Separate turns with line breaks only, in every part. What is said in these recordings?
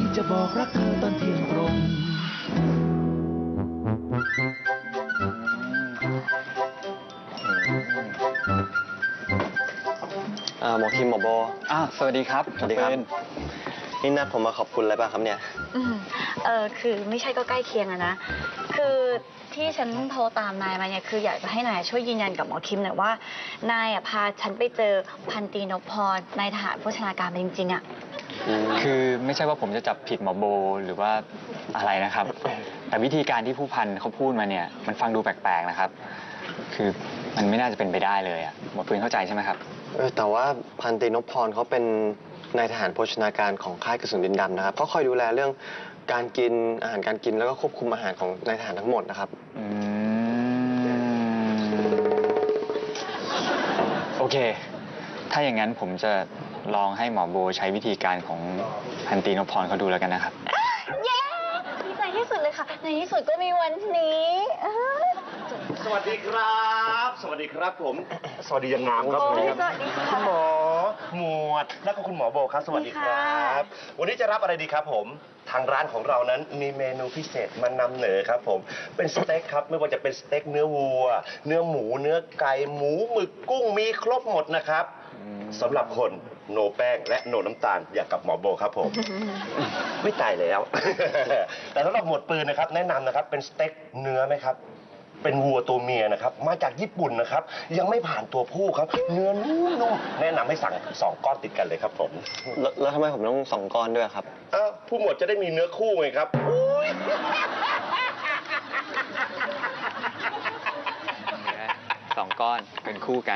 จะบอกรักเธอตอนเที่ยงตรง
หมอคิมหมอโบ
สวัสดีครับ
สวัสดีครับนี่นัดผมมาขอบคุณอะไรป่ะครับเนี่ย
คือไม่ใช่ก็ใกล้เคียงอะนะ คือที่ฉันโทรตามนายมาเนี่ยคืออยากจะให้นายช่วยยืนยันกับหมอคิมหน่อยว่านายพาฉันไปเจอพันตรีนพพรนายทหารโภชนาการมาจริงๆอะ
คือไม่ใช่ว่าผมจะจับผิดหมอโบหรือว่าอะไรนะครับ แต่วิธีการที่ผู้พันเขาพูดมาเนี่ยมันฟังดูแปลกๆนะครับ คือมันไม่น่าจะเป็นไปได้เลยอะหมอปืนเข้าใจใช่ไหมครับ
แต่ว่าพันตรีนพพรเขาเป็นนายทหารโภชนาการของค่ายกระสุนดินดำนะครับเขาคอยดูแลเรื่องการกินอาหารการกินแล้วก็ควบคุมอาหารของนายทหารทั้งหมดนะครับ
โอเค ถ้าอย่างนั้นผมจะลองให้หมอโบใช้วิธีการของพันตรีนพพรเขาดูแล้วกันนะครับ
เย้ดีใจที่สุดเลยค่ะ ในที่สุดก็มีวันนี้
สวัสดีครับ สวัสดีครับผม สวัสดียังงามครับ
โอ้
ผม
ยสวัสดีค่ะ
คุณหมอหมวดแล้วก็คุณหมอโบครับ สวัสดีครับ วันนี้จะรับอะไรดีครับผม ทางร้านของเรานั้นมีเมนูพิเศษมานำเหนอครับผม เป็นสเต็กครับ ไม่ว่าจะเป็นสเต็กเนื้อวัว เนื้อหมู เนื้อไก่ หมูหมึกกุ้งมีครบหมดนะครับสำหรับคนโนแป้งและโนน้ำตาลอย่างกับหมอโบครับผม ไม่ตายแล้ว แต่สำหรับหมวดปืนนะครับแนะนำนะครับเป็นสเต็กเนื้อไหมครับ เป็นวัวตัวเมียนะครับมาจากญี่ปุ่นนะครับยังไม่ผ่านตัวผู้ครับ เนื้อนุ่มๆแนะนำให้สั่ง2 ก้อนติดกันเลยครับผม
แล้วทำไมผมต้อง2 ก้อนด้วยครับ
ผู้หมวดจะได้มีเนื้อคู่ไงครับ
2 ก้อนเป็นคู่กัน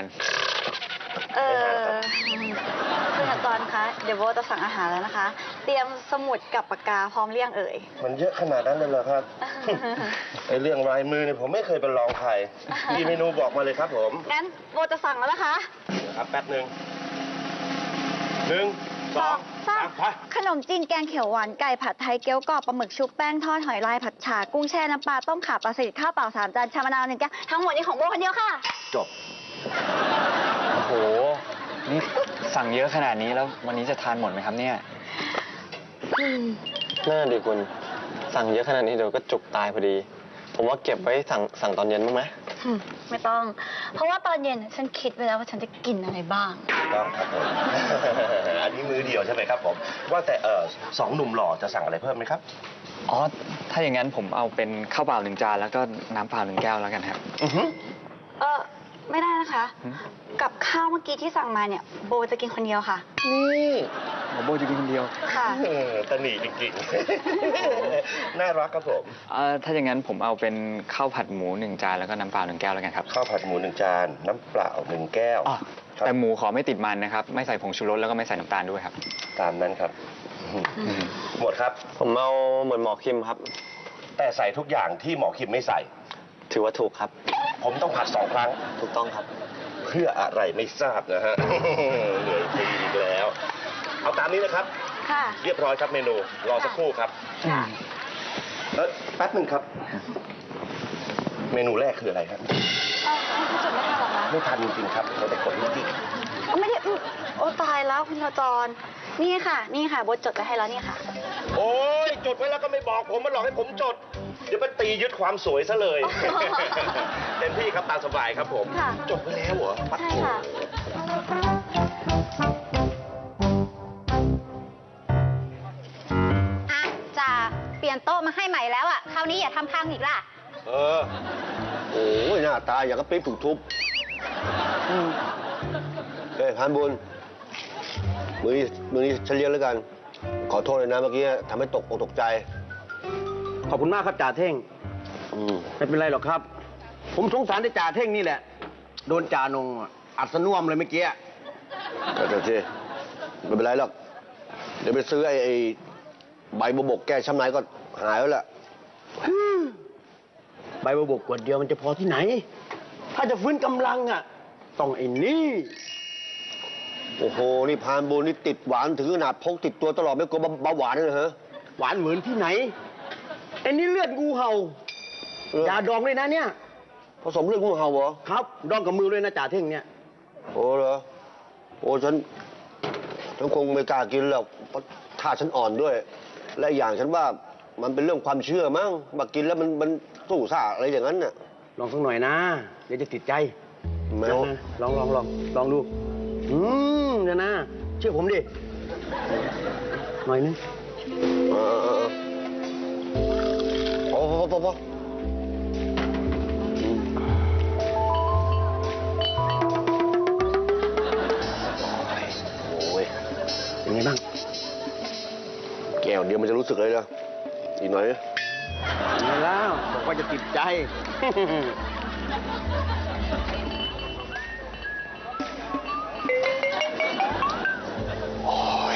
คุณอาจารย์คะ เดี๋ยวโบจะสั่งอาหารแล้วนะคะ เตรียมสมุดกับปากกาพร้อมเรียงเอ่ย
มันเยอะขนาดนั้นเลยเหรอครับ ไอเรื่องลายมือเนี่ยผมไม่เคยเป็นรองใครมีเมนูบอกมาเลยครับผม
งั้นโบจะสั่งแล้วนะคะ
ครับแป๊บหนึ่ง1 2 3ไป
ขนมจีนแกงเขียวหวานไก่ผัดไทยเกี๊ยวกรอบปลาหมึกชุบแป้งทอดหอยลายผัดฉ่ากุ้งแช่น้ำปลาต้มข่าปลาสลิดข้าวเปล่า3 จานชามะนาว1 แก้วทั้งหมดนี้ของโบคนเดียวค่ะ
จบ
โอ้โห นี่สั่งเยอะขนาดนี้แล้ววันนี้จะทานหมดไหมครับเนี่ย
น่าดีคุณสั่งเยอะขนาดนี้เดี๋ยวก็จุกตายพอดี ผมว่าเก็บไว้สั่งตอนเย็นบ้างไหม
ไม่ต้อง เพราะว่าตอนเย็นฉันคิดไว้แล้วว่าฉันจะกินอะไรบ้าง
ต้องครับผม อันนี้มื้อเดียวใช่ไหมครับผม ว่าแต่2 หนุ่มหล่อจะสั่งอะไรเพิ่มไหมครับ
อ๋อ ถ้าอย่างนั้นผมเอาเป็นข้าวเปล่า1 จานแล้วก็น้ำเปล่า1 แก้วแล้วกันครับ
ไม่ได้นะคะ กับข้าวเมื่อกี้ที่สั่งมาเนี่ยโบจะกินคนเดียวค่ะ
นี่
หมอโบจะกินคนเดียว
ค่ะ
ตะหนีจริงๆ น่ารักครับผม
ถ้าอย่างนั้นผมเอาเป็นข้าวผัดหมู1 จานแล้วก็น้ำเปล่า1 แก้วแล้วกันครับ
ข้าวผัดหมู1 จาน น้ำเปล่า1 แก้ว
อ๋อ
ครับ
แต่หมูขอไม่ติดมันนะครับ ไม่ใส่ผงชูรสแล้วก็ไม่ใส่น้ำตาลด้วยครับ
ตามนั้นครับ หมดครับ
ผมเอาเหมือนหมอคิมครับ
แต่ใส่ทุกอย่างที่หมอคิมไม่ใส่
ถือว่าถูกครับ
ผมต้องผัด2 ครั้ง
ถูกต้องครับ
เพื่ออะไรไม่ทราบนะฮะ เหนื่อยจริงอีกแล้ว เอาตามนี้นะครับ
ค่ะ
เรียบร้อยครับเมนู รอสักครู่ครับ
ค่ะ
แป๊บหนึ่งครับ เมนูแรกคืออะไรครับ
คุณจดไม่ทันหรอคะ
ไม่ทันจริงๆครับเราแต่กดนิดเดียว
ไม่ได้โอ้ตายแล้วคุณขจร นี่ค่ะ นี่ค่ะโบจดไว้ให้แล้วนี่ค่ะ
โอ้ยจดไว้แล้วก็ไม่บอกผมมาหลอกให้ผมจด เดี๋ยวไปตียึดความสวยซะเลย เต็มที่ครับตามสบายครับผม
ค่ะ
จดไว้แล้วเหรอปัด
ใช่
โถ
ค่ะ
จ่าเปลี่ยนโต๊ะมาให้ใหม่แล้วอ่ะ คราวนี้อย่าทำพังอีกล่ะ
โอ้ยหน้าตาอย่างกับปิ๊บถูกทุบเฮ้ยพันบุญมือนี้ฉันเลี้ยงแล้วกัน ขอโทษเลยนะเมื่อกี้ทำให้ตกอกตกใจ
ขอบคุณมากครับจ่าเท่ง ไม่เป็นไรหรอกครับ ผมสงสารแต่จ่าเท่งนี่แหละ โดนจ่านงอัดสน่วมเลยเมื่อกี้
แต่เจ๊ไม่เป็นไรหรอก เดี๋ยวไปซื้อไอ้ใบบัวบกแก้ช้ำในก็หายแล้วแหละ
ใบบัวบกขวดเดียวมันจะพอที่ไหน ถ้าจะฟื้นกำลังอ่ะ ต้องไอ้นี่
โอ้โห นี่พานบุญนี่ติดหวานถึงขนาดพกติดตัวตลอดไม่กลัวเบาหวานเลยเหรอ
หวานเหมือนที่ไหนไอ้นี่เลือดงูเห่า อย่าดองเลยนะเนี่ย
ผสมเลือดงูเห่าเหรอ
ครับ ดองกับมือเลยนะจ่าเท่งเนี่ย
โอ้เหรอ โอ้ฉันคงไม่กล้ากินหรอกเพราะท่าฉันอ่อนด้วยและอีกอย่างฉันว่ามันเป็นเรื่องความเชื่อมั้งมากินแล้วมันสู้ซ่าอะไรอย่างนั้นน่ะ
ลองสักหน่อยนะ เดี๋ยวจะติดใจ
แมว
นะลองดู เดี๋ยวนะ เชื่อผมดิ หน่อยนึง
พอโอ้ย
เป็นไงบ้าง
แก้วเดียวมันจะรู้สึกเลยเหรออีกหน่อยนะ
เป็นไงแล้วบอกว่าจะติดใจ
โอ้ย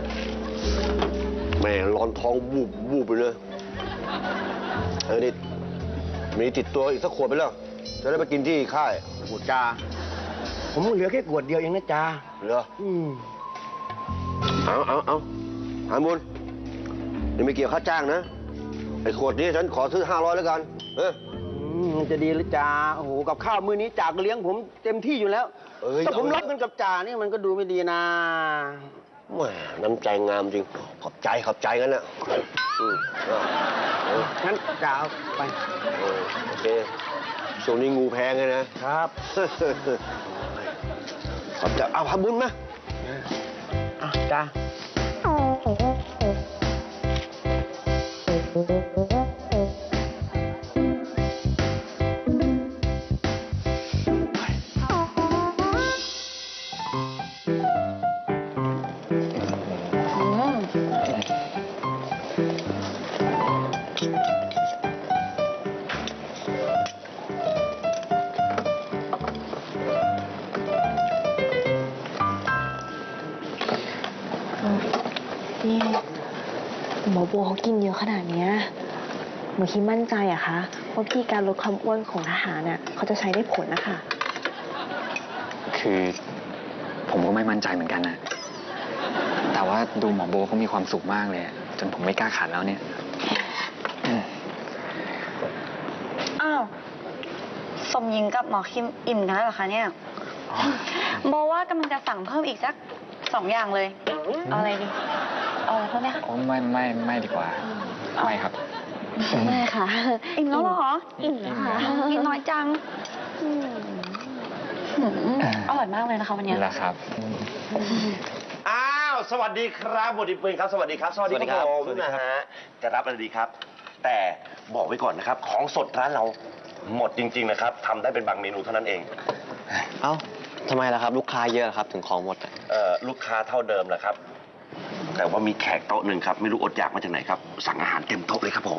แม่ร้อนท้องวูบไปเลยนี่มีติดตัวอีกสักขวดไปแล้ว จะได้ไปกินที่ค่าย
โอ้จ้าผมเหลือแค่ขวดเดียวเองนะจ้า
เหรอ
อืม
เอาหาบุญนี่ไม่เกี่ยวค่าจ้างนะ ไอ้ขวดนี้ฉันขอซื้อ500แล้วกัน
จะดีหรือจ่าโอ้โห กับข้าวมื้อนี้จ่าก็เลี้ยงผมเต็มที่อยู่แล้ว
เอ้ย
แต่ผม
เอา
รับเงินกับจ่านี่มันก็ดูไม่ดีนะ
แหมน้ำใจงามจริง ขอบใจกันนะเอา
งั้นจ่าเอาไป
โอเคช่วงนี้งูแพงเลยนะ
ครับ
ขอบใจเอาทำบุญมา
อ่ะจ้า
นี่หมอโบเขากินเยอะขนาดเนี้ยหนูคิดมั่นใจอะคะว่าวิธีการลดความอ้วนของทหารน่ะเขาจะใช้ได้ผลนะคะ
คือผมก็ไม่มั่นใจเหมือนกันนะ แต่ว่าดูหมอโบเขามีความสุขมากเลยอะจนผมไม่กล้าขัดแล้วเนี่ย
อ้าวสมหญิงกับหมอคิมอิ่มกันแล้วเหรอคะเนี่ยโบว่ากำลังจะสั่งเพิ่มอีกสัก2 อย่างเลย เอาอะไรดี เอาอะไรเพิ่มไหมคะ
โอ้ไม่ดีกว่า ไม่ครับ
ไม่ค่ะ
อิ่มแล้วเหรอ
อิ่มแล้วค่ะ
กินน้อยจังอร่อยมากเลยนะคะวันเนี้ย
นี่แหละครับ
อ้าว สวัสดีครับบุตรปืนครับ สวัสดีครับ สวัสดีครับผมนะฮะ จะรับอะไรดีครับ แต่บอกไว้ก่อนนะครับ ของสดร้านเราหมดจริง ๆ นะครับทำได้เป็นบางเมนูเท่านั้นเอง
เอ้าทำไมล่ะครับ ลูกค้าเยอะครับถึงของหมดอะ
ลูกค้าเท่าเดิมแหละครับ แต่ว่ามีแขกโต๊ะหนึ่งครับ ไม่รู้อดอยากมาจากไหนครับ สั่งอาหารเต็มโต๊ะเลยครับผม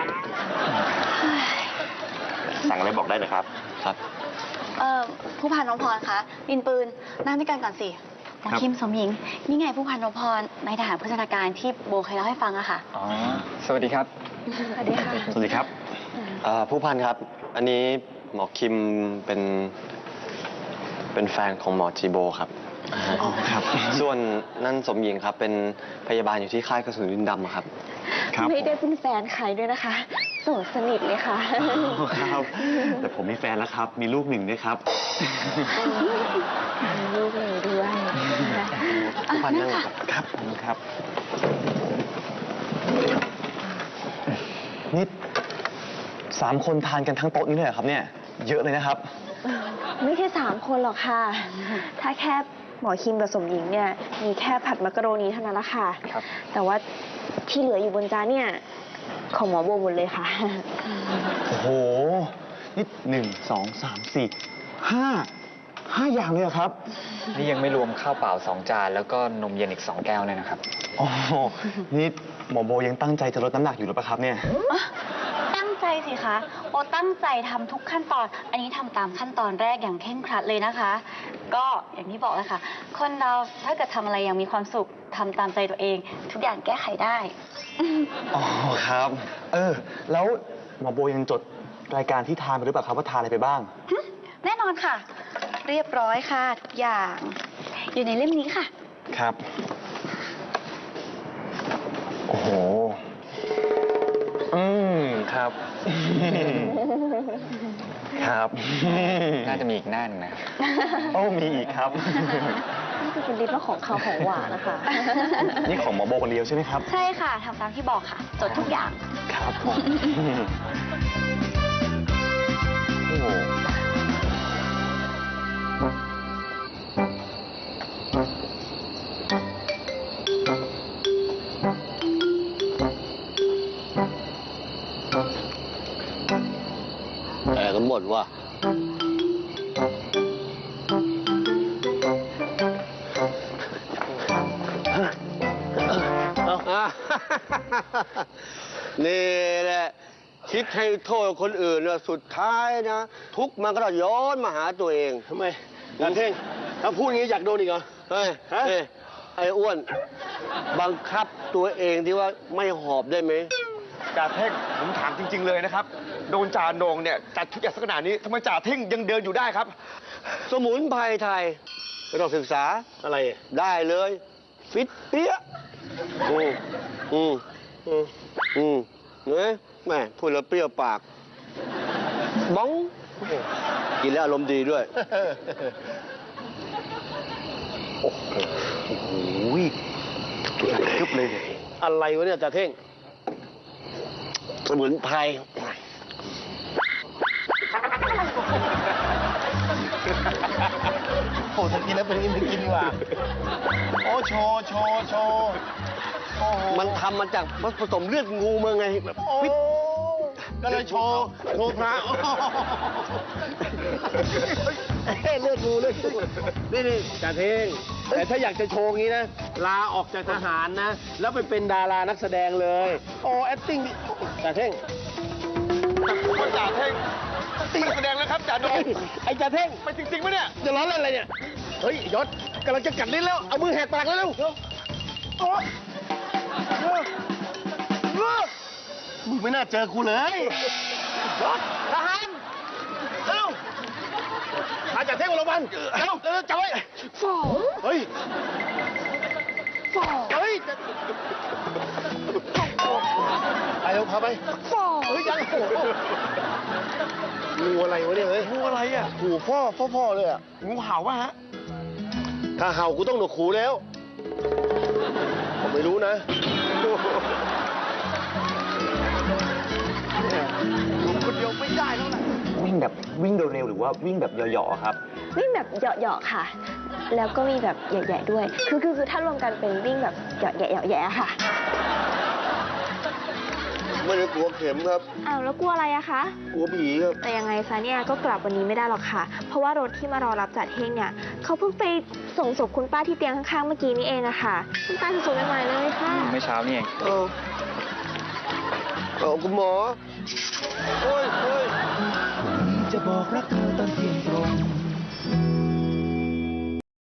สั่งอะไรบอกได้นะครับ
ครับ
ผู้พันน้องพรคะดินปืนนั่งด้วยกันก่อนสิหมอคิมสมหญิง นี่ไงผู้พันน้องพรนายทหารโภชนาการที่โบเคยเล่าให้ฟังอะค่ะ
อ๋อ สวัสดีครับ
สวัสดีค่ะ
สวัสดีครับ
ผู้พันครับ อันนี้หมอคิมเป็นแฟนของหมอจีโบครับ
ครับ
ส่วนนั่นสมหญิงครับ เป็นพยาบาลอยู่ที่ค่ายกระสุนดินดำอะครับ
ครับ
ไม่ได้เป็นแฟนใครด้วยนะคะโสดสนิทเลยค่ะ
ครับ แต่ผมมีแฟนแล้วครับ มีลูก1ด้วยครับ
มีลูกเลยด้วย
ผู้พันนั่งครับ
ครับครับ นี่3 คนทานกันทั้งโต๊ะนี้เลยเหรอครับเนี่ย เยอะเลยนะครับ
ไม่ใช่3 คนหรอกค่ะ ถ้าแค่หมอคิมกับสมหญิงเนี่ยมีแค่ผัดมักกะโรนีเท่านั้นละค่ะ
ครับ
แต่ว่าที่เหลืออยู่บนจานเนี่ยของหมอโบหมดเลยค่ะ
โอ้โห นี่1 2 3 4 5อย่างเลยเหรอครับ นี่ยังไม่รวมข้าวเปล่า2 จานแล้วก็นมเย็นอีก2 แก้วเลยนะครับโอ้โหนี่หมอโบยังตั้งใจจะลดน้ำหนักอยู่หรือเปล่าครับเนี่ย
ตั้งใจสิคะโบตั้งใจทำทุกขั้นตอน อันนี้ทำตามขั้นตอนแรกอย่างเคร่งครัดเลยนะคะ ก็อย่างที่บอกเลยค่ะ คนเราถ้าเกิดทำอะไรอย่างมีความสุขทำตามใจตัวเอง ทุกอย่างแก้ไขได้
อ๋อครับ แล้วหมอโบยังจดรายการที่ทานไปหรือเปล่าครับว่าทานอะไรไปบ้าง
แน่นอนค่ะ เรียบร้อยค่ะทุกอย่าง อยู่ในเล่มนี้ค่ะ
ครับ โอ้โห ครับ ครับ น่าจะมีอีกหน้าหนึงนะครับ โอ้มีอีกครับ
นี่คือเป็นลิปแล้วของเขาวของหวานนะคะ
นี่ของหมอโบคนเดียวใช่ไหมครับ
ใช่ค่ะทำตามที่บอกค่ะจดทุกอย่าง
ครับผมโอ้โห
แต่กันหมดว่ะนี่แหละ คิดให้โทษคนอื่นนะสุดท้ายนะ ทุกข์มันก็ต้องย้อนมาหาตัวเอง
ทำไมจาเท่ง ถ้าพูดอย่างนี้อยากโดนอีกเหรอ
เฮ้ย
ฮะ
เฮ้ยไอ้อ้วน บังคับตัวเองที่ว่าไม่หอบได้ไหม
จ่าเท่งผมถามจริง ๆ เลยนะครับ โดนจ่าโหนงเนี่ยจัดทุกอย่างสักขนาดนี้ทำไมจ่าเท่งยังเดินอยู่ได้ครับ
สมุนไพรไทยไม่ต้องศึกษา
อะไร
ได้เลย ฟิตเปี้ยเนี่ยแม่พูดแล้วเปรี้ยวปากบ้องกินแล้วอารมณ์ดีด้วย
โอ้โหทึบเลยเนี่ยอะไรวะเนี่ยจ่าเท่ง
สมุนไพร
โอ้ถ้ากินแล้วเป็นอย่างนี้ไม่กินดีกว่า โอ้โชว์โอ้โห
มันทำมาจากผสมเลือดงูมาไงแบบ
โอ้
ฟิต
ก็เลยโชว์พระโอ้โห
เลือดงูนี่จ่าเท่ง แต่ถ้าอยากจะโชว์งี้นะ ลาออกจากทหารนะ แล้วไปเป็นดารานักแสดงเลย โอ้ acting ดิจ่าเท่ง
จ่าเท่งตีแสดงแล้วครับจ่าโหนง
ไอ้จ่าเท่ง
ไปจริงๆปะเนี่ย
จะร้อนอะไรเนี่ย เฮ้ยยศกำลังจะกัดลิ้นแล้ว เอามือแหกปากแล้วเร็วโอ๊ยมึงไม่น่าเจอกูเลยยศทหารเร็วพาจ่าเท่งมาโรงพยาบาลเร็วจับไว้เฮ้ยเฮ้ยไปเร็วพาไปเฮ้ยยังงูอะไรวะเนี่ยเฮ้ย
งูอะไรอ่ะ
หูพ่อเลยอ่ะ
งูเห่าวะฮะ
ถ้าเห่ากูต้องหนวกหูแล้วผมไม่รู้นะ
คนเดียวไม่ได้แล้วแหละ
วิ่งแบบวิ่งเร็วๆหรือว่าวิ่งแบบเหยาะๆครับ
วิ่งแบบเหยาะๆค่ะ แล้วก็มีแบบแหย่ๆด้วย คือถ้ารวมกันเป็นวิ่งแบบเหยาะๆแหย่ๆค่ะ
ไม่ได้กลัวเข็มครับ
อ้าวแล้วกลัวอะไรอะคะ
กลัวผีครับ
แต่ยังไงซะเนี่ยก็กลับวันนี้ไม่ได้หรอกค่ะ เพราะว่ารถที่มารอรับจัดเฮงเนี่ยเขาเพิ่งไปส่งศพคุณป้าที่เตียงข้างๆเมื่อกี้นี่เองอะค่ะคุณป้าสดๆใหม่ๆเลยค่ะ
ไม่เช้านี่เอง
เอาคุณหมอ โอ้ย
จะบอกรักเธอตอนเที่ยง